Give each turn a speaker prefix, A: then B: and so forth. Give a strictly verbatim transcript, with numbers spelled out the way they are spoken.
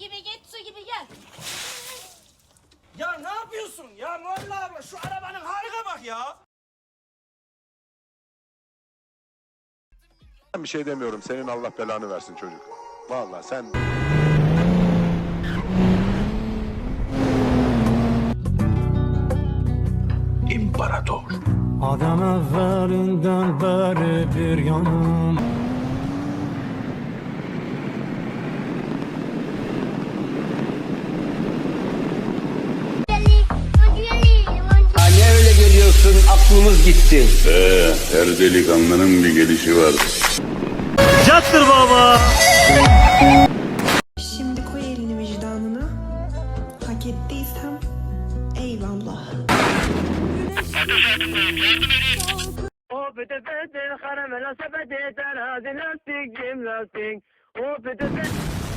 A: gibi git, su gibi gel.
B: Ya ne yapıyorsun ya Mualla abla, şu arabanın haline bak ya.
C: Ben bir şey demiyorum. Senin Allah belanı versin çocuk. Vallahi sen...
B: İmparator.
D: Adam evvelinden beri bir yanım.
E: Ne öyle geliyorsun, aklımız gitti.
F: Ee, her delikanlının bir gelişi var.
D: Cattır baba.
G: Şimdi koy elini vicdanına. Hak ettiysem eyvallah.
H: O pete pete karamela sepeti terazi lastik cim lastik. O pete pete